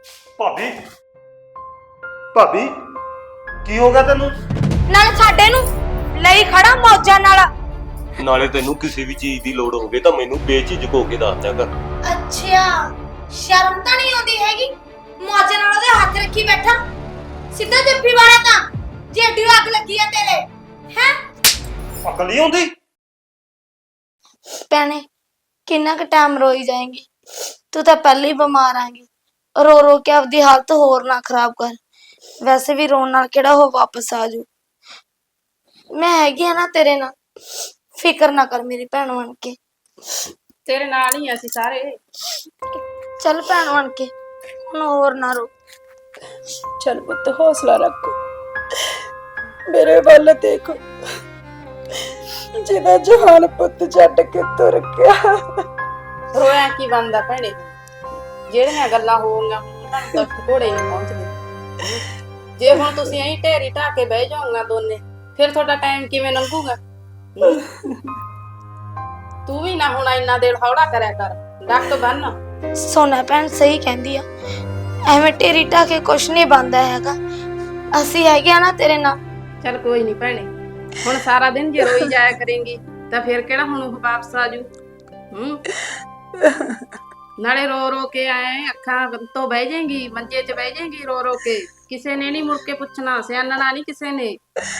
ਭਾਬੀ ਭਾਬੀ ਕੀ ਹੋ ਗਿਆ ਤੈਨੂੰ? ਨਾਲ ਸਾਡੇ ਨੂੰ ਲਈ ਖੜਾ ਮੌਜਾਂ ਨਾਲ। ਨਾਲੇ ਤੈਨੂੰ ਕਿਸੇ ਵੀ ਚੀਜ਼ ਦੀ ਲੋੜ ਹੋਵੇ ਤਾਂ ਮੈਨੂੰ ਬੇਝਿਜਕ ਹੋ ਕੇ ਦੱਸ ਦਿਆ ਕਰ। ਅੱਛਾ, ਸ਼ਰਮ ਤਾਂ ਨਹੀਂ ਆਉਂਦੀ ਹੈਗੀ? ਮੌਜਾਂ ਨਾਲ ਉਹਦੇ ਹੱਥ ਰੱਖੀ ਬੈਠਾ। ਸਿੱਧਾ ਜੱਫੀ ਵਾਲਾ ਤਾਂ ਜੇ ਏਡੀ ਅੱਗ ਲੱਗੀ ਆ ਤੇਰੇ ਹੈ। ਅਕਲ ਨਹੀਂ ਆਉਂਦੀ? ਭੈਣੇ ਕਿੰਨਾ ਕੁ ਟਾਈਮ ਰੋਈ ਜਾਏਂਗੀ? ਤੂੰ ਤਾਂ ਪਹਿਲੇ ਹੀ ਬਿਮਾਰ ਆਂਗੀ। ਰੋ ਰੋ ਕੇ ਆਪਦੀ ਹਾਲਤ ਹੋਰ ਨਾ ਖਰਾਬ ਕਰ। ਵੈਸੇ ਵੀ ਰੋਣ ਨਾਲ ਕਿਹੜਾ ਉਹ ਵਾਪਸ ਆ ਜੂ। ਮੈਂ ਹੈਗੀ ਆ ਨਾ ਤੇਰੇ ਨਾਲ, ਫਿਕਰ ਨਾ ਕਰ ਮੇਰੀ ਭੈਣ ਬਣ ਕੇ। ਤੇਰੇ ਨਾਲ ਹੀ ਅਸੀਂ ਸਾਰੇ। ਚੱਲ ਭੈਣ ਬਣ ਕੇ ਹੁਣ ਹੋਰ ਨਾ ਰੋ। ਚੱਲ ਪੁੱਤ ਹੌਸਲਾ ਰੱਖ, ਮੇਰੇ ਵੱਲ ਦੇਖੋ, ਜਿਹਦਾ ਜਹਾਨ ਪੁੱਤ ਛੱਡ ਕੇ ਤੁਰ ਗਿਆ। ਰੋਇਆ ਕੀ ਬੰਦਾ ਭੈਣੇ, ਜਿਹੜੀਆਂ ਗੱਲਾਂ ਹੋਣਗੀਆਂ ਉਹਨਾਂ ਨੂੰ ਤੱਕ ਘੋੜੇ ਨਹੀਂ ਪਹੁੰਚਦੇ। ਜੇ ਹੁਣ ਤੁਸੀਂ ਐਂ ਢੇਰੀ ਢਾ ਕੇ ਬਹਿ ਜਾਓਗਾ ਦੋਨੇ, ਫਿਰ ਤੁਹਾਡਾ ਟਾਈਮ ਕਿਵੇਂ ਲੰਘੂਗਾ? ਤੂੰ ਵੀ ਨਾ ਹੁਣ ਇੰਨਾ ਦੇਰ ਹੌਲਾ ਕਰਿਆ ਕਰ, ਡੱਕ ਬੰਨ। ਸੋਨਾ ਭੈਣ ਸਹੀ ਕਹਿੰਦੀ ਆ, ਐਵੇਂ ਢੇਰੀ ਢਾ ਕੇ ਕੁਛ ਨਹੀਂ ਬਣਦਾ ਹੈਗਾ। ਅਸੀਂ ਹੈਗੇ ਆ ਨਾ ਤੇਰੇ ਨਾਲ। ਚੱਲ ਕੋਈ ਨਹੀਂ ਭੈਣੇ, ਹੁਣ ਸਾਰਾ ਦਿਨ ਜੇ ਰੋਈ ਜਾਇਆ ਕਰੇਂਗੀ ਤਾਂ ਫਿਰ ਕਿਹੜਾ ਹੁਣ ਉਹ ਵਾਪਸ ਆਜੂ? ਨਾਲੇ ਰੋ ਰੋ ਕੇ ਆਏ ਅੱਖਾਂ ਤੋਂ ਬਹਿ ਜਾਏਗੀ, ਮੰਜੇ 'ਚ ਬਹਿ ਜਾਏਗੀ ਰੋ ਰੋ ਕੇ। ਕਿਸੇ ਨੇ ਨਹੀਂ ਮੁੜ ਕੇ ਪੁੱਛਣਾ, ਸਿਆਣਨਾ ਨਹੀਂ ਕਿਸੇ ਨੇ।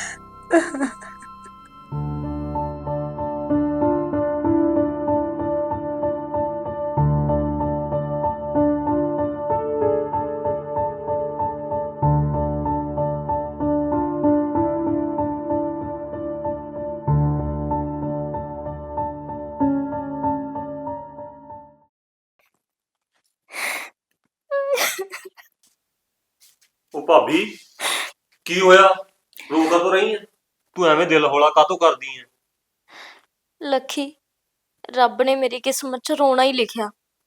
ਉਹ ਭਾਬੀ ਕੀ ਹੋਇਆ? ਰੋ ਕਦੋਂ ਰਹੀ ਹੈ ਤੂੰ? ਐਵੇਂ ਦਿਲ ਹੌਲਾ ਕਾਹਤੋਂ ਕਰਦੀ ਹੈ? ਲੱਖੀ, ਰੱਬ ਨੇ ਮੇਰੀ ਕਿਸਮਤ 'ਚ ਰੋਣਾ ਹੀ ਲਿਖਿਆ।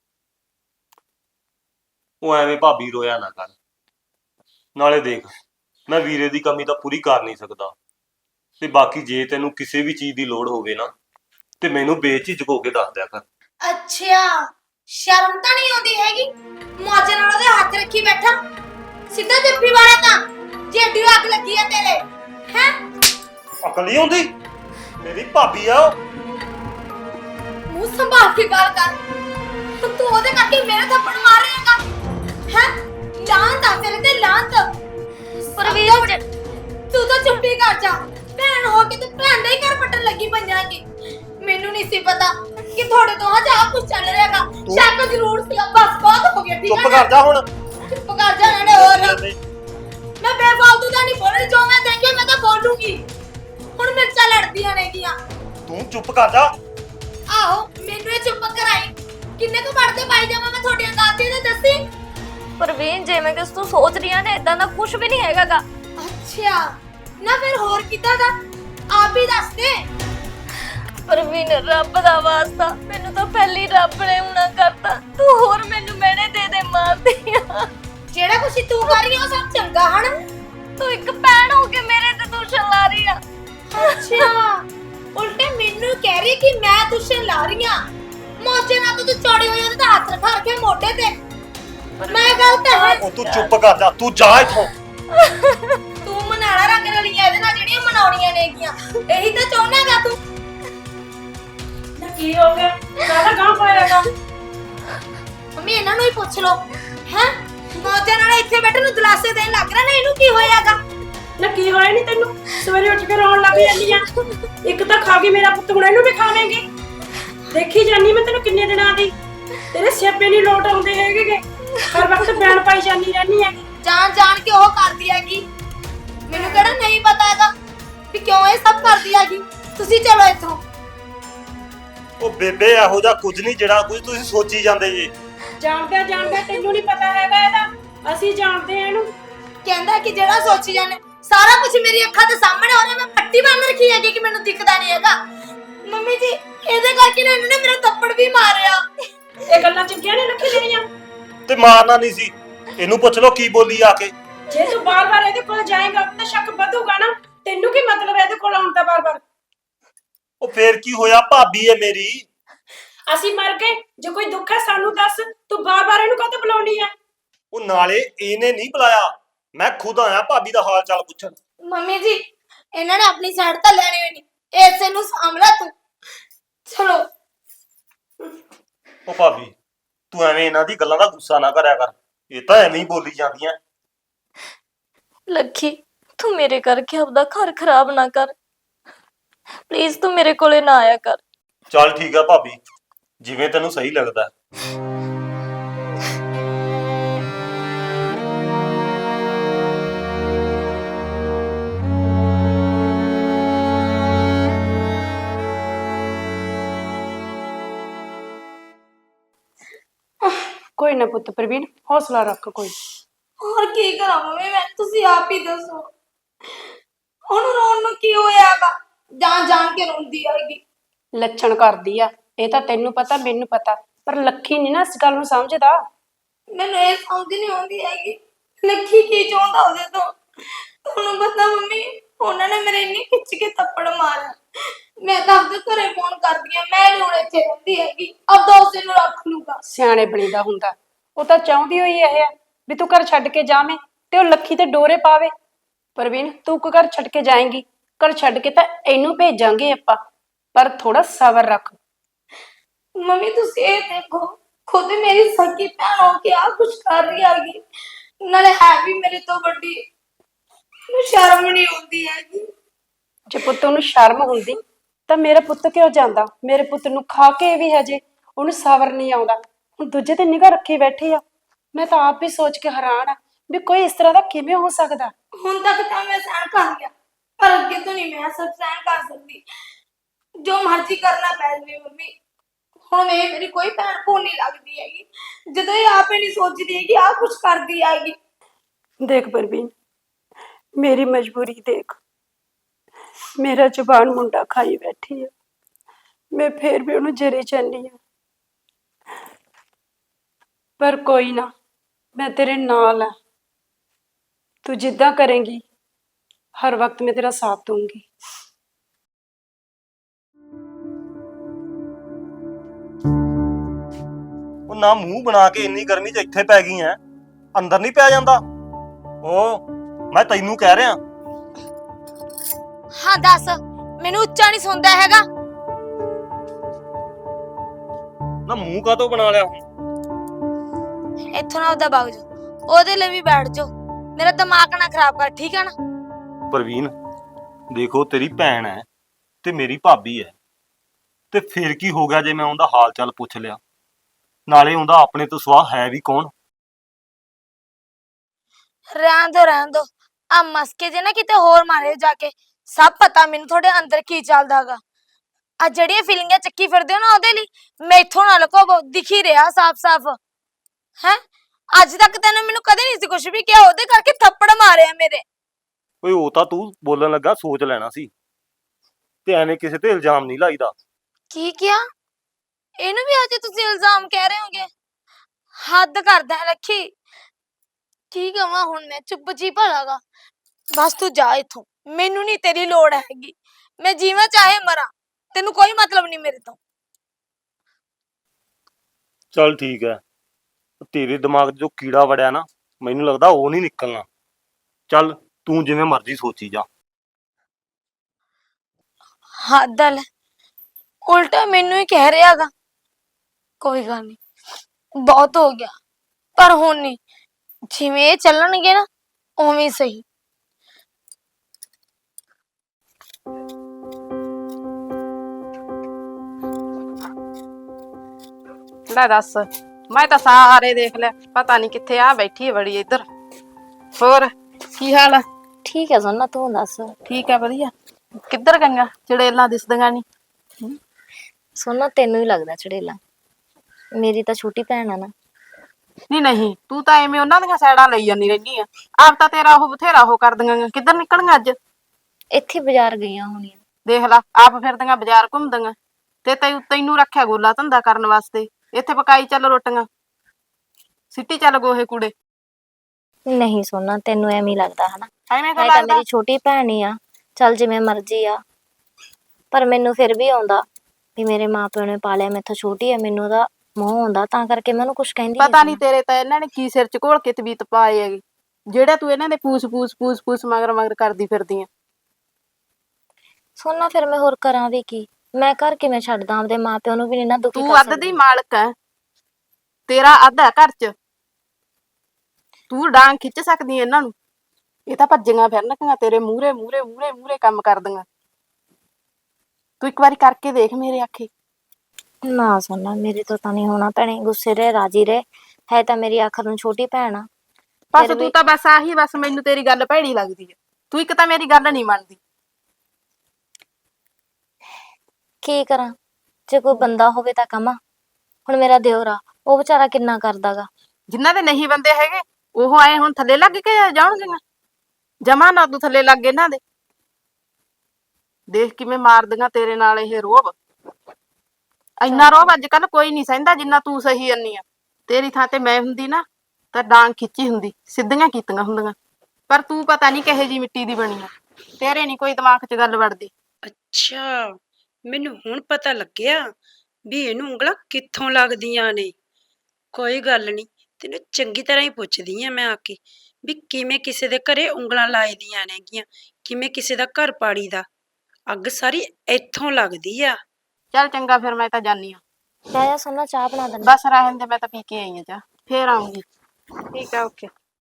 ਉਹ ਐਵੇਂ ਭਾਬੀ ਰੋਇਆ ਨਾ ਕਰ। ਨਾਲੇ ਦੇਖ, ਮੈਂ ਵੀਰੇ ਦੀ ਕਮੀ ਤਾਂ ਪੂਰੀ ਕਰ ਨਹੀਂ ਸਕਦਾ, ਤੇ ਬਾਕੀ ਜੇ ਤੈਨੂੰ ਕਿਸੇ ਵੀ ਚੀਜ਼ ਦੀ ਲੋੜ ਹੋਵੇ ਨਾ ਤੇ ਮੈਨੂੰ ਬੇਝਿਜਕ ਹੋ ਕੇ ਦੱਸ ਦਿਆ ਕਰ। ਅੱਛਾ, ਸ਼ਰਮ ਤਾਂ ਨਹੀਂ ਆਉਂਦੀ ਹੈਗੀ? ਮੌਜਾਂ ਨਾਲ ਉਹਦੇ ਹੱਥ ਰੱਖੀ ਬੈਠਾ। ਸਿੱਧਾ ਜੱਫੀ ਵਾਲਾ ਤਾਂ ਜੇ ਏਡੀ ਅੱਗ ਲੱਗੀ ਆ ਤੇਰੇ ਹੈ। ਅਕਲ ਨਹੀਂ ਆਉਂਦੀ? ਮੇਰੀ ਭਾਬੀ ਆ ਉਹ। ਮੂੰਹ ਸੰਭਾਲ ਕੇ ਗੱਲ ਕਰ। ਤੂੰ ਉਹਦੇ ਕਰਕੇ ਮੇਰੇ ਥੱਪੜ ਮਾਰ ਰਹੇਗਾ ਹੈ? ਲਾਂਤ ਆ ਤੇਰੇ ਤੇ ਲਾਂਤ। ਪਰਵੀਰ, ਤੂੰ ਤਾਂ ਚੁੱਪੀ ਕਰ ਜਾ। ਭੈਣ ਹੋ ਕੇ ਤੂੰ ਭੈਣ ਦਾ ਹੀ ਘਰ ਪੱਟਣ ਲੱਗੀ ਪਈਆਂ ਕਿ ਮੈਨੂੰ ਨਹੀਂ ਸੀ ਪਤਾ ਕਿ ਤੁਹਾਡੇ ਤੋਂ ਅੱਜ ਆਹ ਕੁਝ ਚੱਲ ਰਿਹਾਗਾ। ਸ਼ੱਕ ਜ਼ਰੂਰ ਸੀ, ਬਸ ਬਹੁਤ ਹੋ ਗਿਆ। ਠੀਕ ਚੁੱਪ ਹੈ ਕਰ ਜਾ ਹੁਣ। ਚੁੱਪ ਕਰ ਜਾ ਨਾਲੇ। ਹੋਰ ਮੈਂ ਬੇਫਾਲਤੂ ਦਾ ਨਹੀਂ ਬੋਲਣੀ, ਜੋ ਮੈਂ ਦੇਖਿਆ ਮੈਂ ਤਾਂ ਬੋਲੂਗੀ। ਹੁਣ ਮਿਰਚਾਂ ਲੜਦੀਆਂ ਨੇਗੀਆਂ। ਤੂੰ ਚੁੱਪ ਕਰ ਜਾ। ਆਹੋ, ਮੈਨੂੰ ਇਹ ਚੁੱਪ ਕਰਾਈ। ਕਿੰਨੇ ਕੁ ਪੜਦੇ ਪਾਈ ਜਾਵਾਂ ਮੈਂ ਤੁਹਾਡੀਆਂ ਦਾਦੀਆਂ ਦੇ? ਦੱਸੀ। ਪਰਵੀਨ, ਜਿਵੇਂ ਕਿ ਤੂੰ ਸੋਚ ਰਹੀ ਆ ਨਾ, ਇਦਾਂ ਦਾ ਕੁਝ ਵੀ ਨਹੀਂ ਹੈਗਾਗਾ। ਅੱਛਾ, ਨਾ ਫਿਰ ਹੋਰ ਕਿੱਦਾਂ ਦਾ? ਆਪ ਹੀ ਦੱਸ ਦੇ। ਪਰਵੀਨ, ਰੱਬ ਦਾ ਵਾਸਤਾ, ਮੈਨੂੰ ਤਾਂ ਪਹਿਲੀ ਰੱਬ ਨੇ ਹੁਣਾ ਕਰਤਾ। ਤੂੰ ਹੋਰ ਮੈਨੂੰ ਮੈਨੇ ਦੇ ਮਾਰਦੀ ਆ। ਜਿਹੜਾ ਕੁਛ ਤੂੰ ਕਰ ਰਹੀ ਆ ਉਹ ਸਭ ਚੰਗਾ ਹਨ। ਤੂੰ ਇੱਕ ਭੈਣ ਹੋ ਕੇ ਮੇਰੇ ਤੇ ਦੂਸ਼ਣ ਲਾ ਰਹੀ ਆ। ਅੱਛਾ, ਉਲਟੇ ਮੈਨੂੰ ਕਹਿ ਰਹੀ ਕਿ ਮੈਂ ਦੂਸ਼ਣ ਲਾ ਰਹੀ ਆ। ਮੋਚੇ ਨਾਲ ਤੂੰ ਚੌੜੀ ਹੋਈ ਉਹਦੇ ਤਾਂ ਹੱਥ ਰਖਾ ਰੱਖੇ ਮੋਢੇ ਤੇ। ਮੈਂ ਗਲਤ ਹੈ? ਉਹ ਤੂੰ ਚੁੱਪ ਕਰ ਜਾ, ਤੂੰ ਜਾ ਇੱਥੋਂ। ਤੂੰ ਮਨਾਣਾ ਰੰਗ ਰਲੀਆਂ ਇਹਦੇ ਨਾਲ ਜਿਹੜੀਆਂ ਮਨਾਉਣੀਆਂ ਨੇਗੀਆਂ। ਇਹੀ ਤਾਂ ਚਾਹੁੰਦਾਗਾ ਤੂੰ। ਕੀ ਹੋ ਗਿਆ? ਕਾਹਦਾ ਗਾਂ ਪਾਇਆਗਾ? ਮੰਮੀ ਇਹਨਾਂ ਨੂੰ ਹੀ ਪੁੱਛ ਲਓ ਹੈ। ਮੌਜਾਂ ਨਾਲ ਇੱਥੇ ਬੈਠੇ ਨੂੰ ਦਿਲਾਸੇ ਦੇਣ ਲੱਗ ਰਿਹਾ ਨਾ। ਇਹਨੂੰ ਕੀ ਹੋਇਆਗਾ? ਨਾ ਕੀ ਹੋਇਆ ਨਹੀਂ ਤੈਨੂੰ? ਸਵੇਰੇ ਉੱਠ ਕੇ ਰੋਣ ਲੱਗ ਜਾਂਦੀ ਆ। ਇੱਕ ਤਾਂ ਖਾ ਗਈ ਮੇਰਾ ਪੁੱਤ, ਹੁਣ ਇਹਨੂੰ ਵੀ ਖਾਵੇਂਗੀ। ਦੇਖੀ ਜਾਨੀ ਮੈਂ ਤੈਨੂੰ ਕਿੰਨੇ ਦਿਨਾਂ ਦੀ। ਤੇਰੇ ਸਿਆਪੇ ਨਹੀਂ ਲੋਟ ਆਉਂਦੇ ਹੈਗੇ। ਹਰ ਵਕਤ ਬੈਣ ਪਾਈ ਜਾਨੀ ਰਹਿਨੀ ਹੈ। ਜਾਣ ਜਾਣ ਕੇ ਉਹ ਕਰਦੀ ਹੈਗੀ। ਮੈਨੂੰ ਕਿਹੜਾ ਨਹੀਂ ਪਤਾ ਹੈਗਾ ਵੀ ਕਿਉਂ ਇਹ ਸਭ ਕਰਦੀ ਹੈਗੀ। ਤੁਸੀਂ ਚਲੋ ਇੱਥੋਂ। ਉਹ ਬੇਬੇ ਇਹੋ ਜਿਹਾ ਕੁਝ ਨਹੀਂ ਜਿਹੜਾ ਕੁਝ ਤੁਸੀਂ ਸੋਚੀ ਜਾਂਦੇ ਜੀ। ਜਾਣਦਾ ਤੈਨੂੰ ਨਹੀਂ ਪਤਾ ਹੈਗਾ ਇਹਦਾ। ਅਸੀਂ ਜਾਣਦੇ ਆ ਇਹਨੂੰ। ਕਹਿੰਦਾ ਕਿ ਜਿਹੜਾ ਸੋਚੀ ਜਾਂਦੇ ਸਾਰਾ ਕੁਝ ਮੇਰੀ ਅੱਖਾਂ ਦੇ ਸਾਹਮਣੇ ਹੋ ਰਿਹਾ। ਮੈਂ ਪੱਟੀ ਬੰਨ ਰੱਖੀ ਹੈਗੀ ਕਿ ਮੈਨੂੰ ਦਿਖਦਾ ਨਹੀਂ ਹੈਗਾ। ਮੰਮੀ ਜੀ, ਇਹਦੇ ਕਰਕੇ ਨਾ ਇਹਨੇ ਮੇਰਾ ਥੱਪੜ ਵੀ ਮਾਰਿਆ। ਇਹ ਗੱਲਾਂ ਚੰਗੀਆਂ ਨਹੀਂ ਰੱਖੀ ਦੇਣੀਆਂ। ਤੇ ਮਾਰਨਾ ਨਹੀਂ ਸੀ। ਇਹਨੂੰ ਪੁੱਛ ਲਓ ਕੀ ਬੋਲੀ ਆ ਕੇ। ਜੇ ਤੂੰ ਬਾਰ-ਬਾਰ ਇਹਦੇ ਕੋਲ ਜਾਏਗਾ ਤਾਂ ਸ਼ੱਕ ਵਧੂਗਾ ਨਾ। ਤੈਨੂੰ ਕੀ ਮਤਲਬ ਹੈ ਇਹਦੇ ਕੋਲ ਆਉਣ ਦਾ ਬਾਰ-ਬਾਰ? ਉਹ ਫੇਰ ਕੀ ਹੋਇਆ? ਭਾਬੀ ਹੈ ਮੇਰੀ। ਅਸੀਂ ਮਰ ਗਏ, ਜੇ ਕੋਈ ਦੁੱਖ ਹੈ ਸਾਨੂੰ ਦੱਸ। ਤੂੰ ਬਾਰ-ਬਾਰ ਇਹਨੂੰ ਕਾਹਤੋਂ ਬੁਲਾਉਣੀ ਆ? ਉਹ ਉਹ ਨਾਲੇ ਇਹਨੇ ਨਹੀਂ ਬੁਲਾਇਆ, ਮੈਂ ਖੁਦ ਆਇਆ ਭਾਬੀ ਦਾ ਹਾਲ ਚਾਲ ਪੁੱਛਣ। ਮੰਮੀ ਜੀ ਇਹਨਾਂ ਨੇ ਆਪਣੀ ਸਾਈਡ ਤਾਂ ਲੈਣੀ ਹੋਈ ਨਹੀਂ, ਐਸੇ ਨੂੰ ਸਾਂਭਲਾ ਤੂੰ। ਚਲੋ ਉਹ ਭਾਬੀ ਤੂੰ ਐਵੇਂ ਇਹਨਾਂ ਦੀ ਗੱਲਾਂ ਦਾ ਗੁੱਸਾ ਨਾ ਕਰਿਆ ਕਰ, ਇਹ ਤਾਂ ਐਵੇਂ ਹੀ ਬੋਲੀ ਜਾਂਦੀਆਂ। ਲੱਖੀ ਤੂੰ ਮੇਰੇ ਕਰਕੇ ਆਪਦਾ ਘਰ ਖਰਾਬ ਨਾ ਕਰ, ਪਲੀਜ਼ ਤੂੰ ਮੇਰੇ ਕੋਲੇ ਨਾ ਆਇਆ ਕਰ। ਚੱਲ ਠੀਕ ਆ ਭਾਬੀ, ਜਿਵੇਂ ਤੈਨੂੰ ਸਹੀ ਲੱਗਦਾ। ਕੋਈ ਨਾ ਪੁੱਤ ਪ੍ਰਵੀਨ, ਹੌਸਲਾ ਰੱਖ। ਕੋਈ ਹੋਰ ਕੀ ਕਰਾਂ ਮੰਮੀ ਮੈਂ, ਤੁਸੀਂ ਆਪ ਹੀ ਦੱਸੋ। ਉਹਨੂੰ ਰੋਣ ਨੂੰ ਕੀ ਹੋਇਆਗਾ, ਜਾਣ ਜਾਣ ਕੇ ਰੋਂਦੀ ਆਏਗੀ। ਲੱਛਣ ਕਰਦੀ ਆ, ਇਹ ਤਾਂ ਤੈਨੂੰ ਪਤਾ ਮੈਨੂੰ ਪਤਾ, ਪਰ ਲੱਖੀ ਨਹੀਂ ਨਾ ਇਸ ਗੱਲ ਨੂੰ ਸਮਝਦਾ। ਮੈਨੂੰ ਇਹ ਸਮਝ ਨਹੀਂ ਆਉਂਦੀ ਹੈਗੀ ਲੱਖੀ ਕੀ ਚਾਹੁੰਦਾ ਉਹਦੇ ਤੋਂ। ਤੁਹਾਨੂੰ ਪਤਾ ਮੰਮੀ, ਉਹਨਾਂ ਨੇ ਮੇਰੇ ਇੰਨੀ ਖਿੱਚ ਕੇ ਥੱਪੜ ਮਾਰਿਆ, ਮੈਂ ਤਾਂ ਆਪਦੇ ਘਰੇ ਫੋਨ ਕਰਦੀ ਆ, ਮੈਂ ਨੀ ਹੁਣ ਇੱਥੇ ਰਹਿੰਦੀ ਹੈਗੀ, ਆਪਦਾ ਉਸੇ ਨੂੰ ਰੱਖ ਲੂਗਾ। ਸਿਆਣੇ ਬਣੀਦਾ ਹੁੰਦਾ, ਉਹ ਤਾਂ ਚਾਹੁੰਦੀ ਹੋਈ ਇਹ ਆ ਵੀ ਤੂੰ ਘਰ ਛੱਡ ਕੇ ਜਾਵੇਂ ਤੇ ਉਹ ਲੱਖੀ ਤੇ ਡੋਰੇ ਪਾਵੇ। ਪ੍ਰਵੀਨ ਤੂੰ ਘਰ ਛੱਡ ਕੇ ਜਾਏਂਗੀ, ਘਰ ਛੱਡ ਕੇ ਤਾਂ ਇਹਨੂੰ ਭੇਜਾਂਗੇ ਆਪਾਂ, ਪਰ ਥੋੜਾ ਸਬਰ ਰੱਖ। ਮੰਮੀ ਤੁਸੀਂ ਇਹ ਦੇਖੋ, ਖੁਦ ਮੇਰੀ ਸਕੀ ਭੈਣ ਹੋ ਕੇ ਆ ਕੁਛ ਕਰ ਰਹੀ ਹੈਗੀ, ਨਾਲੇ ਹੈ ਵੀ ਮੇਰੇ ਤੋਂ ਵੱਡੀ, ਮੈਨੂੰ ਸ਼ਰਮ ਨਹੀਂ ਆਉਂਦੀ ਹੈਗੀ। ਜੇ ਪੁੱਤ ਨੂੰ ਸ਼ਰਮ ਹੁੰਦੀ ਤਾਂ ਮੇਰਾ ਪੁੱਤ ਕਿਉਂ ਜਾਂਦਾ? ਮੇਰੇ ਪੁੱਤ ਨੂੰ ਖਾ ਕੇ ਵੀ ਹਜੇ ਉਹਨੂੰ ਸਬਰ ਨਹੀਂ ਆਉਂਦਾ, ਹੁਣ ਦੂਜੇ ਤੇ ਨਿਗਾਹ ਰੱਖੀ ਬੈਠੀ ਆ। ਮੈਂ ਤਾਂ ਆਪ ਵੀ ਸੋਚ ਕੇ ਹੈਰਾਨ ਆ ਵੀ ਕੋਈ ਇਸ ਤਰ੍ਹਾਂ ਦਾ ਕਿਵੇਂ ਹੋ ਸਕਦਾ। ਹੁਣ ਤੱਕ ਤਾਂ ਮੈਂ ਸਹਿਣ ਕਰ ਲਿਆ, ਪਰ ਅੱਗੇ ਤੋਂ ਨਹੀਂ ਮੈਂ ਸਭ ਸਹਿਣ ਕਰ ਸਕਦੀ, ਜੋ ਮਰਜ਼ੀ ਕਰਨਾ ਪੈ ਜਾਵੇ ਮੰਮੀ। ਹੁਣ ਇਹ ਮੇਰੀ ਕੋਈ ਭੈਣ ਭੂਣ ਨਹੀਂ ਲੱਗਦੀ ਹੈਗੀ, ਜਦੋਂ ਇਹ ਆਪੇ ਨਹੀਂ ਸੋਚਦੀ ਹੈਗੀ ਆਹ ਕੁਛ ਕਰਦੀ ਆਏਗੀ। ਦੇਖ ਪ੍ਰਵੀਨ, ਮੇਰੀ ਮਜਬੂਰੀ ਦੇਖ, ਮੇਰਾ ਜ਼ੁਬਾਨ ਮੁੰਡਾ ਖਾਈ ਬੈਠੀ ਆ, ਮੈਂ ਫੇਰ ਵੀ ਉਹਨੂੰ ਜਰੇ ਚਾਹੁੰਦੀ ਆ, ਪਰ ਕੋਈ ਨਾ, ਮੈਂ ਤੇਰੇ ਨਾਲ ਆ। ਤੂੰ ਜਿੱਦਾਂ ਕਰੇਂਗੀ ਹਰ ਵਕਤ ਮੈਂ ਤੇਰਾ ਸਾਥ ਦੂੰਗੀ। ਉਹ ਨਾ ਮੂੰਹ ਬਣਾ ਕੇ ਇੰਨੀ ਗਰਮੀ 'ਚ ਇੱਥੇ ਪੈ ਗਈ ਐ, ਅੰਦਰ ਨਹੀਂ ਪਿਆ ਜਾਂਦਾ? ਉਹ ਮੈਂ ਤੈਨੂੰ ਕਹਿ ਰਿਹਾ। ਹਾਂ ਦੱਸ, ਮੈਨੂੰ ਉੱਚਾ ਨਹੀਂ ਸੁਣਦਾ ਹੈਗਾ। ਨਾ ਮੂੰਹ ਕਾਤੋਂ ਬਣਾ ਲਿਆ ਹੁਣ? ਇੱਥੋਂ ਨਾ ਉਹਦਾ ਵਗ ਜਾ, ਉਹਦੇ ਲਈ ਵੀ ਬੈਠ ਜਾ, ਮੇਰਾ ਦਿਮਾਗ ਨਾ ਖਰਾਬ ਕਰ, ਠੀਕ ਹੈ ਨਾ? ਪ੍ਰਵੀਨ ਦੇਖੋ, ਤੇਰੀ ਭੈਣ ਹੈ ਤੇ ਮੇਰੀ ਭਾਬੀ ਹੈ, ਤੇ ਫਿਰ ਕੀ ਹੋ ਗਿਆ ਜੇ ਮੈਂ ਉਹਦਾ ਹਾਲ ਚਾਲ ਪੁੱਛ ਲਿਆ? ਨਾਲੇ ਉਹਦਾ ਆਪਣੇ ਤੋਂ ਸਿਵਾ ਹੈ ਵੀ ਕੌਣ? ਰਹਿਣ ਦੋ ਆ ਮਸਕੇ ਜੇ ਨਾ ਕਿਤੇ ਹੋਰ ਮਾਰੇ ਜਾ ਕੇ, ਸਭ ਪਤਾ ਮੈਨੂੰ ਤੁਹਾਡੇ ਅੰਦਰ ਕੀ ਚੱਲਦਾਗਾ। ਆ ਜਿਹੜੀਆਂ ਫੀਲਿੰਗਾਂ ਚੱਕੀ ਫਿਰਦੇ ਹੋ ਨਾ ਉਹਦੇ ਲਈ, ਮੈਥੋਂ ਨਾ ਲੁਕੋ, ਦਿਖ ਹੀ ਰਿਹਾ ਸਾਫ਼-ਸਾਫ਼ ਹੈ। ਅੱਜ ਤੱਕ ਤੈਨੂੰ ਮੈਨੂੰ ਕਦੇ ਨਹੀਂ ਸੀ ਕੁਝ ਵੀ ਕਿਹਾ, ਉਹਦੇ ਕਰਕੇ ਥੱਪੜ ਮਾਰਿਆ ਮੇਰੇ। ਓਏ ਉਹ ਤਾਂ ਤੂੰ ਬੋਲਣ ਲੱਗਾ ਸੋਚ ਲੈਣਾ ਸੀ, ਤੇ ਐਵੇਂ ਕਿਸੇ ਤੇ ਇਲਜ਼ਾਮ ਨਹੀਂ ਲਾਈਦਾ। ਕੀ ਕਿਹਾ? ਇਹਨੂੰ ਵੀ ਅੱਜ ਤੁਸੀਂ ਇਲਜ਼ਾਮ ਕਹਿ ਰਹੇ ਹੋਗੇ? ਹੱਦ ਕਰਦਾ ਹੈ ਲੱਖੀ। ਕੀ ਕਵਾਂ ਹੁਣ ਮੈਂ, ਚੁੱਪ ਜੀ ਭਲਾਗਾ। ਬਸ ਤੂੰ ਜਾ ਇੱਥੋਂ, ਮੈਨੂੰ ਨਹੀਂ ਤੇਰੀ ਲੋੜ ਹੈਗੀ, ਮੈਂ ਜੀਵਾਂ ਚਾਹੇ ਮਰਾਂ, ਤੈਨੂੰ ਕੋਈ ਮਤਲਬ ਨਹੀਂ ਮੇਰੇ ਤੋਂ। ਚੱਲ ਠੀਕ ਹੈ, ਤੇਰੇ ਦਿਮਾਗ 'ਚ ਜੋ ਕੀੜਾ ਵੜਿਆ ਨਾ, ਮੈਨੂੰ ਲੱਗਦਾ ਉਹ ਨਹੀਂ ਨਿਕਲਣਾ। ਚੱਲ ਤੂੰ ਜਿਵੇਂ ਮਰਜ਼ੀ ਸੋਚੀ ਜਾ। ਹੱਦ ਹੈ, ਉਲਟਾ ਮੈਨੂੰ ਹੀ ਕਹਿ ਰਿਹਾਗਾ। ਕੋਈ ਗੱਲ ਨਹੀਂ, ਬਹੁਤ ਹੋ ਗਿਆ, ਪਰ ਹੁਣ ਨਹੀਂ, ਜਿਵੇਂ ਇਹ ਚੱਲਣਗੇ ਨਾ ਉਵੇਂ ਸਹੀ। ਲੈ ਦੱਸ, ਮੈਂ ਤਾਂ ਸਾਰੇ ਦੇਖ ਲਿਆ, ਪਤਾ ਨਹੀਂ ਕਿੱਥੇ ਆ ਬੈਠੀ ਹੈ ਬੜੀ ਇੱਧਰ। ਹੋਰ ਕੀ ਹਾਲ ਆ? ਠੀਕ ਹੈ ਸੋਨਾ, ਤੂੰ ਦੱਸ? ਠੀਕ ਆ ਵਧੀਆ। ਕਿੱਧਰ ਗਈਆਂ? ਚੜੇਲਾਂ ਦਿਸਦੀਆਂ ਨਹੀਂ। ਸੋਨਾ ਤੈਨੂੰ ਹੀ ਲੱਗਦਾ ਚੜੇਲਾ, ਮੇਰੀ ਤਾਂ ਛੋਟੀ ਭੈਣ ਆ ਨਾ। ਨਹੀਂ ਤੂੰ ਤਾਂ ਐਵੇਂ ਉਹਨਾਂ ਦੀਆਂ ਸਾਈਡਾਂ ਲਈ ਜਾਂਦੀ ਰਹਿੰਦੀ ਆ, ਆਪ ਤਾਂ ਤੇਰਾ ਉਹ ਬਥੇਰਾ ਉਹ ਕਰਦੀਆਂ। ਕਿੱਧਰ ਨਿਕਲੀਆਂ ਅੱਜ? ਇੱਥੇ ਬਾਜ਼ਾਰ ਗਈਆਂ ਹੋਣੀਆਂ। ਦੇਖ ਲਾ, ਆਪ ਫਿਰਦੀਆਂ ਬਾਜ਼ਾਰ ਘੁੰਮਦੀਆਂ, ਤੇ ਤੈਨੂੰ ਰੱਖਿਆ ਗੋਲਾ ਧੰਦਾ ਕਰਨ ਵਾਸਤੇ। ਇੱਥੇ ਪਕਾਈ ਚੱਲ ਰੋਟੀਆਂ, ਸਿੱਟੀ ਚੱਲ ਗੋਹੇ ਕੂੜੇ। ਨਹੀਂ ਸੋਨਾ, ਤੈਨੂੰ ਐਵੇਂ ਹੀ ਲੱਗਦਾ ਹਨਾ? ਐਵੇਂ ਤਾਂ ਮੈਂ ਤਾਂ ਲੱਗਦਾ। ਮੇਰੀ ਛੋਟੀ ਭੈਣ ਹੀ ਆ, ਚੱਲ ਜਿਵੇਂ ਮਰਜ਼ੀ ਆ, ਪਰ ਮੈਨੂੰ ਫਿਰ ਵੀ ਆਉਂਦਾ ਵੀ ਮੇਰੇ ਮਾਪਿਓ ਨੇ ਪਾਲਿਆ, ਮੈਥੋਂ ਛੋਟੀ ਆ, ਮੈਨੂੰ ਉਹਦਾ ਮੋਹ ਆਉਂਦਾ ਤਾਂ ਕਰਕੇ ਮੈਂ ਉਹਨੂੰ ਕੁਝ ਕਹਿੰਦੀ ਪਤਾ ਨਹੀਂ ਤੇਰੇ ਤਾਂ ਇਹਨਾਂ ਨੇ ਕੀ ਸਿਰ ਚ ਘੋਲ ਕੇ ਤਵੀਤ ਪਾਏ ਹੈਗੇ, ਜਿਹੜਾ ਤੂੰ ਇਹਨਾਂ ਦੇ ਪੂਸ ਮਗਰ ਮਗਰ ਕਰਦੀ ਫਿਰਦੀ ਆ। ਸੁਣਨਾ ਫਿਰ ਮੈਂ ਹੋਰ ਕਰਾਂ ਵੀ ਕੀ? ਮੈਂ ਘਰ ਕਿਵੇਂ ਛੱਡਦਾ? ਆਪਦੇ ਮਾਪਿਆਂ ਨੂੰ ਵੀ ਨਹੀਂ ਨਾ ਦੁਖੀ ਤੂੰ ਕਰ ਅੱਧ ਦੀ ਸਕਦੀ। ਮਾਲਕ ਹੈ, ਤੇਰਾ ਅੱਧ ਹੈ ਘਰ ਚ। ਤੂੰ ਡਾਂਗ ਖਿੱਚ ਸਕਦੀ ਇਹਨਾਂ ਨੂੰ, ਇਹ ਤਾਂ ਭੱਜੀਆਂ ਫਿਰਨਗੀਆਂ ਤੇਰੇ ਮੂਹਰੇ ਕੰਮ ਕਰਦੀਆਂ। ਤੂੰ ਇੱਕ ਵਾਰੀ ਕਰਕੇ ਦੇਖ ਮੇਰੇ ਆਖੇ। ਨਾ ਸੁਣਨਾ, ਮੇਰੇ ਤੋਂ ਤਾਂ ਨਹੀਂ ਹੋਣਾ ਭੈਣੇ। ਗੁੱਸੇ ਰਹਿ, ਰਾਜੀ ਰਹਿ, ਹੈ ਤਾਂ ਮੇਰੀ ਆਖਰ ਨੂੰ ਛੋਟੀ ਭੈਣ ਆ। ਬਸ ਫਿਰ ਤੂੰ ਵੀ ਤਾਂ ਬਸ ਆਹੀ ਬਸ ਮੈਨੂੰ ਤੇਰੀ ਗੱਲ ਭੈੜੀ ਲੱਗਦੀ ਹੈ। ਤੂੰ ਇੱਕ ਤਾਂ ਮੇਰੀ ਗੱਲ ਨਹੀਂ ਮੰਨਦੀ। ਕੀ ਕਰਾਂ? ਜੇ ਕੋਈ ਬੰਦਾ ਹੋਵੇ ਤਾਂ ਕਮਾ। ਹੁਣ ਮੇਰਾ ਦਿਓਰ ਆ, ਉਹ ਵਿਚਾਰਾ ਕਿੰਨਾ ਕਰਦਾਗਾ। ਜਿਨ੍ਹਾਂ ਦੇ ਨਹੀਂ ਬੰਦੇ ਹੈਗੇ ਉਹ ਆਏ ਹੁਣ ਥੱਲੇ ਲੱਗ ਕੇ ਜਾਣਗੀਆਂ। ਜਮਾ ਨਾ ਤੂੰ ਥੱਲੇ ਲੱਗ ਇਹਨਾਂ ਦੇ। ਦੇਖ ਕਿਵੇਂ ਮਾਰਦੀਆਂ ਤੇਰੇ ਨਾਲ ਇਹ ਰੋਬ। ਇੰਨਾ ਰੋਬ ਅੱਜ ਕੱਲ ਕੋਈ ਨਹੀਂ ਸਹਿੰਦਾ ਜਿੰਨਾ ਤੂੰ ਸਹੀ ਅੰਨੀ ਆ। ਤੇਰੀ ਥਾਂ ਤੇ ਮੈਂ ਹੁੰਦੀ ਨਾ ਤਾਂ ਡਾਂਗ ਖਿੱਚੀ ਹੁੰਦੀ, ਸਿੱਧੀਆਂ ਕੀਤੀਆਂ ਹੁੰਦੀਆਂ। ਪਰ ਤੂੰ ਪਤਾ ਨਹੀਂ ਕਿਹੇ ਜੀ ਮਿੱਟੀ ਦੀ ਬਣੀ ਆ, ਤੇਰੇ ਨਹੀਂ ਕੋਈ ਦਿਮਾਗ 'ਚ ਗੱਲ ਵੜਦੀ। ਅੱਛਾ, ਮੈਨੂੰ ਹੁਣ ਪਤਾ ਲੱਗਿਆ ਵੀ ਇਹਨੂੰ ਉਂਗਲਾਂ ਕਿੱਥੋਂ ਲੱਗਦੀਆਂ ਨੇ। ਕੋਈ ਗੱਲ ਨਹੀਂ, ਤੈਨੂੰ ਚੰਗੀ ਤਰ੍ਹਾਂ ਹੀ ਪੁੱਛਦੀ ਆ ਮੈਂ ਆ ਕੇ ਵੀ ਕਿਵੇਂ ਕਿਸੇ ਦੇ ਘਰੇ ਉਂਗਲਾਂ ਲਾਈਦੀਆਂ ਨੇਗੀਆਂ, ਕਿਵੇਂ ਕਿਸੇ ਦਾ ਘਰ ਪਾੜੀ ਦਾ। ਅੱਗ ਸਾਰੀ ਇੱਥੋਂ ਲੱਗਦੀ ਆ। ਚੱਲ ਚੰਗਾ ਫਿਰ ਮੈਂ ਤਾਂ ਜਾਨੀ ਆ। ਜਾ ਸੁਣਨਾ, ਚਾਹ ਬਣਾ ਦਿੰਦੀ। ਬਸ ਰਹਿਣ ਦੇ, ਮੈਂ ਤਾਂ ਪੀ ਕੇ ਆਈ ਆ ਚਾਹ, ਫੇਰ ਆਉਂਗੀ। ਠੀਕ ਆ, ਓਕੇ।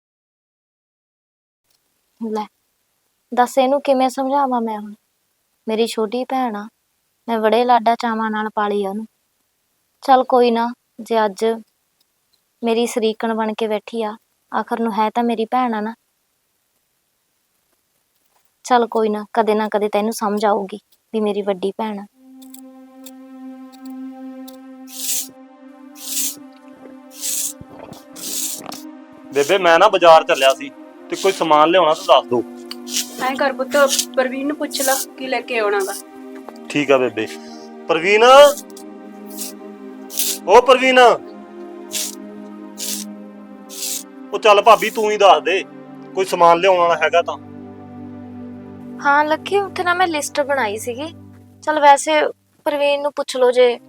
ਲੈ ਦੱਸ ਇਹਨੂੰ ਕਿਵੇਂ ਸਮਝਾਵਾਂ ਮੈਂ ਹੁਣ? ਮੇਰੀ ਛੋਟੀ ਭੈਣ ਆ, ਮੈਂ ਬੜੇ ਲਾਡਾ ਚਾਵਾਂ ਨਾਲ ਪਾਲੀ ਆ ਉਹਨੂੰ। ਚੱਲ ਕੋਈ ਨਾ, ਜੇ ਅੱਜ ਮੇਰੀ ਸਰੀਕਣ ਬਣ ਕੇ ਬੈਠੀ ਆ, ਆਖਰ ਨੂੰ ਹੈ ਤਾਂ ਮੇਰੀ ਭੈਣ ਆ ਨਾ। ਚੱਲ ਕੋਈ ਨਾ ਕਦੇ ਤੈਨੂੰ ਸਮਝ ਆਊਗੀ ਵੀ ਮੇਰੀ ਵੱਡੀ ਭੈਣ ਆ। ਬੇਬੇ ਮੈਂ ਨਾ ਬਾਜ਼ਾਰ ਚੱਲਿਆ ਸੀ ਤੇ ਕੋਈ ਸਮਾਨ ਲਿਆਉਣਾ ਤਾਂ ਦੱਸ ਦੋ। ਐਂ ਕਰ ਪੁੱਤ, ਪ੍ਰਵੀਨ ਨੂੰ ਪੁੱਛ ਲਾ ਕੀ ਲੈ ਕੇ ਆਉਣਾ ਵਾ। ਠੀਕ ਆ ਬੇਬੇ। ਪ੍ਰਵੀਨ, ਓ ਪ੍ਰਵੀਨ, ਉਹ ਚੱਲ ਭਾਬੀ ਤੂੰ ਹੀ ਦੱਸ ਦੇ ਕੋਈ ਸਮਾਨ ਲਿਆਉਣ ਵਾਲਾ ਹੈਗਾ ਤਾਂ। ਹਾਂ ਲੱਕੀ, ਉੱਥੇ ਨਾ ਮੈਂ ਲਿਸਟ ਬਣਾਈ ਸੀਗੀ। ਚੱਲ ਵੈਸੇ ਪ੍ਰਵੀਨ ਨੂੰ ਪੁੱਛ ਲਓ ਜੇ।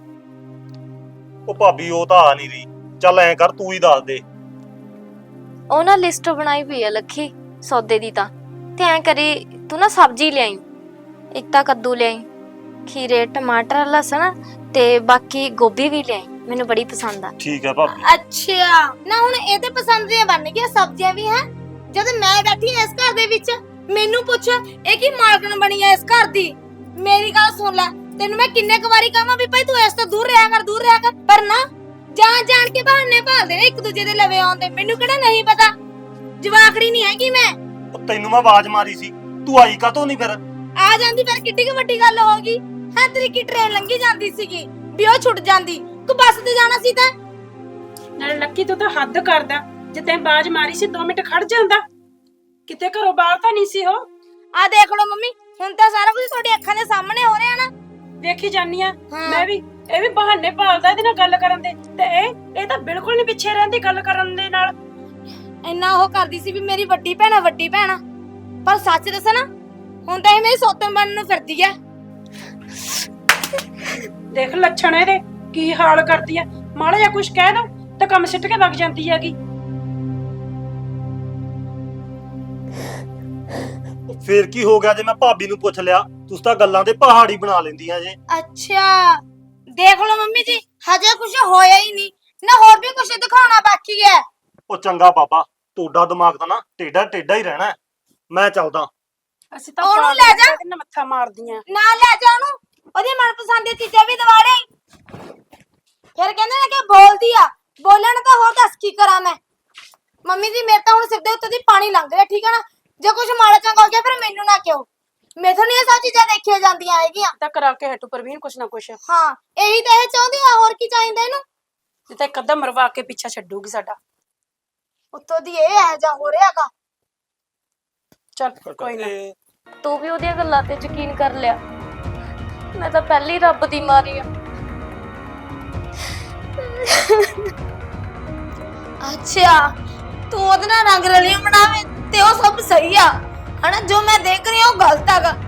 ਉਹ ਭਾਬੀ ਉਹ ਤਾਂ ਆ ਨਹੀਂ ਰਹੀ। ਚੱਲ ਐਂ ਕਰ ਤੂੰ ਹੀ ਦੱਸ ਦੇ। ਉਹ ਨਾ ਲਿਸਟ ਬਣਾਈ ਹੋਈ ਆ ਲੱਕੀ ਸੌਦੇ ਦੀ ਤਾਂ। ਤੇ ਐਂ ਕਰੀ ਤੂੰ ਨਾ ਸਬਜ਼ੀ ਲਿਆਈ, ਇੱਕ ਤਾਂ ਕੱਦੂ ਲਿਆਈ, ਖੀਰੇ, ਟਮਾਟਰ, ਲਸਣ ਤੇ ਬਾਕੀ ਗੋਭੀ ਵੀ ਲਿਆਈ, ਮੈਨੂੰ ਬੜੀ ਪਸੰਦ ਆ। ਠੀਕ ਆ ਭਾਬੀ। ਅੱਛਾ ਨਾ ਹੁਣ ਇਹ ਤੇ ਪਸੰਦ ਦੀਆਂ ਬਣ ਗਈਆਂ ਸਬਜ਼ੀਆਂ ਵੀ ਹੈ। ਜਦ ਮੈਂ ਬੈਠੀ ਇਸ ਘਰ ਦੇ ਵਿੱਚ ਮੈਨੂੰ ਪੁੱਛ ਇਹ ਕੀ ਮਾਲਕਣ ਬਣੀ ਐ ਇਸ ਘਰ ਦੀ। ਮੇਰੀ ਗੱਲ ਸੁਣ ਲੈ, ਤੈਨੂੰ ਮੈਂ ਕਿੰਨੇ ਕੁ ਵਾਰੀ ਕਹਾਂ ਵੀ ਭਾਈ ਤੂੰ ਇਸ ਤੋਂ ਦੂਰ ਰਿਹਾ ਕਰ, ਪਰ ਨਾ ਜਾਣ ਕੇ ਬਹਾਨੇ ਭਾਲਦੇ ਨੇ ਇੱਕ ਦੂਜੇ ਦੇ ਲਵੇ ਆਉਂਦੇ। ਮੈਨੂੰ ਕਿਹੜਾ ਨਹੀਂ ਪਤਾ, ਜਵਾਖੜੀ ਨਹੀਂ ਹੈਗੀ ਮੈਂ। ਉਹ ਤੈਨੂੰ ਮੈਂ ਆਵਾਜ਼ ਮਾਰੀ ਸੀ, ਤੂੰ ਆਈ ਕਾਤੋਂ ਨਹੀਂ ਫਿਰ? ਆ ਜਾਂਦੀ ਫਿਰ ਕਿੱਡੀ ਕੁ ਵੱਡੀ ਗੱਲ ਹੋ ਗਈ। ਹਾਂ ਤੇਰੀ ਕੀ ਟ੍ਰੇਨ ਲੰਘੀ ਜਾਂਦੀ ਸੀਗੀ ਵੀ ਉਹ ਛੁੱਟ ਜਾਂਦੀ, ਤੂੰ ਬੱਸ ਤੇ ਜਾਣਾ ਸੀ ਤਾਂ। ਨਾਲੇ ਲੱਕੀ ਤੂੰ ਤਾਂ ਹੱਦ ਕਰਦਾ, ਜੇ ਤੈਂ ਬਾਜ ਮਾਰੀ ਸੀ 2 ਮਿੰਟ ਖੜ ਜਾਂਦਾ, ਕਿਤੇ ਘਰੋਂ ਬਾਹਰ ਤਾਂ ਨਹੀਂ ਸੀ ਉਹ। ਆ ਦੇਖ ਲਓ ਮੰਮੀ, ਹੁਣ ਤਾਂ ਸਾਰਾ ਕੁਝ ਤੁਹਾਡੀ ਅੱਖਾਂ ਦੇ ਸਾਹਮਣੇ ਹੋ ਰਿਹਾ ਨਾ। ਵੇਖੀ ਜਾਨੀ ਆ ਹਾਂ। ਮੈਂ ਵੀ। ਇਹ ਵੀ ਬਹਾਨੇ ਭਾਲਦਾ ਇਹਦੇ ਨਾਲ ਗੱਲ ਕਰਨ ਦੇ, ਤੇ ਇਹ ਤਾਂ ਬਿਲਕੁਲ ਨਹੀਂ ਪਿੱਛੇ ਰਹਿੰਦੀ ਗੱਲ ਕਰਨ ਦੇ ਨਾਲ। ਇੰਨਾ ਉਹ ਕਰਦੀ ਸੀ ਵੀ ਮੇਰੀ ਵੱਡੀ ਭੈਣ ਆ, ਪਰ ਸੱਚ ਦੱਸਾਂ ਨਾ, ਹੁਣ ਤਾਂ ਇਹ ਮੇਰੀ ਸੌਤਨ ਬਣਨ ਨੂੰ ਫਿਰਦੀ ਆ। ਦੇਖ ਲੱਛਣ ਇਹਦੇ ਕੀ ਹਾਲ ਕਰਦੀ ਆ। ਮਾੜਾ ਜਿਹਾ ਕੁਝ ਕਹਿ ਦੋ ਤਾਂ ਕੰਮ ਸਿੱਟ ਕੇ ਵਗ ਜਾਂਦੀ ਹੈਗੀ। ਫੇਰ ਕੀ ਹੋ ਗਿਆ ਜੇ ਮੈਂ ਭਾਬੀ ਨੂੰ ਪੁੱਛ ਲਿਆ? ਤੁਸੀਂ ਤਾਂ ਗੱਲਾਂ ਦੇ ਪਹਾੜੀ ਬਣਾ ਲੈਂਦੀਆਂ ਜੇ। ਅੱਛਾ ਦੇਖ ਲਓ ਮੰਮੀ ਜੀ, ਹਜੇ ਕੁਝ ਹੋਇਆ ਹੀ ਨਹੀਂ ਨਾ, ਹੋਰ ਵੀ ਕੁਝ ਦਿਖਾਉਣਾ ਬਾਕੀ ਹੈ। ਉਹ ਚੰਗਾ ਬਾਬਾ, ਤੁਹਾਡਾ ਦਿਮਾਗ ਤਾਂ ਨਾ ਟੇਢਾ ਹੀ ਰਹਿਣਾ। ਮੈਂ ਚੱਲਦਾ। ਅਸੀਂ ਤਾਂ ਉਹਨੂੰ ਪਾਗਲ ਲੈ ਜਾ। ਇਹਦੇ ਨਾਲ ਮੱਥਾ ਮਾਰਦੀਆਂ। ਨਾ ਲੈ ਜਾ ਉਹਨੂੰ, ਉਹਦੀ ਮਨਪਸੰਦ ਦੀ ਚੀਜ਼ਾਂ ਵੀ ਦਵਾ ਦੇ। ਫਿਰ ਕਹਿੰਦੇ ਨੇ ਕਿ ਬੋਲਦੀ ਆ, ਬੋਲਣ ਤਾਂ ਹੋਰ ਦੱਸ ਕੀ ਕਰਾਂ ਮੈਂ। ਮੰਮੀ ਜੀ ਮੇਰੇ ਤਾਂ ਹੁਣ ਸਿਰ ਦੇ ਉੱਤੇ ਦੀ ਪਾਣੀ ਲੰਘ ਰਿਹਾ, ਠੀਕ ਹੈ ਨਾ। ਜੇ ਕੁਝ ਮਾੜਾ ਚੰਗਾ ਹੋ ਗਿਆ ਫਿਰ ਮੈਨੂੰ ਨਾ ਕਿਉਂ, ਮੈਥੋਂ ਨਹੀਂ ਇਹ ਸਭ ਚੀਜ਼ਾਂ ਦੇਖੀਆਂ ਜਾਂਦੀਆਂ ਹੈਗੀਆਂ। ਤਾਂ ਕਰਾ ਕੇ ਹਟੂ ਪ੍ਰਵੀਨ ਕੁਛ ਨਾ ਕੁਛ। ਹਾਂ ਇਹੀ ਤਾਂ ਇਹ ਚਾਹੁੰਦੀ ਆ, ਹੋਰ ਕੀ ਚਾਹੀਦਾ ਇਹਨੂੰ। ਜੇ ਤਾਂ ਇੱਕ ਅੱਧਾ ਮਰਵਾ ਕੇ ਪਿੱਛਾ ਛੱਡੂਗੀ ਸਾਡਾ। ਉੱਤੋਂ ਦੀ ਇਹ ਹੈ ਜਾਂ ਹੋ ਰਿਹਾਗਾ। ਚੱਲ ਕੋਈ ਨਾ। ਤੂੰ ਵੀ ਉਹਦੀਆਂ ਗੱਲਾਂ ਤੇ ਯਕੀਨ ਕਰ ਲਿਆ। ਮੈਂ ਤਾਂ ਪਹਿਲੀ ਰੱਬ ਦੀ ਮਾਰੀ ਆ। ਅੱਛਾ ਤੂੰ ਉਹਦੇ ਨਾਲ ਰੰਗ ਰਲੀਆਂ ਬਣਾਵੇਂ ਤੇ ਉਹ ਸਭ ਸਹੀ ਆ ਹਨਾ, ਜੋ ਮੈਂ ਦੇਖ ਰਹੀ ਹਾਂ ਉਹ ਗਲਤ ਹੈਗਾ।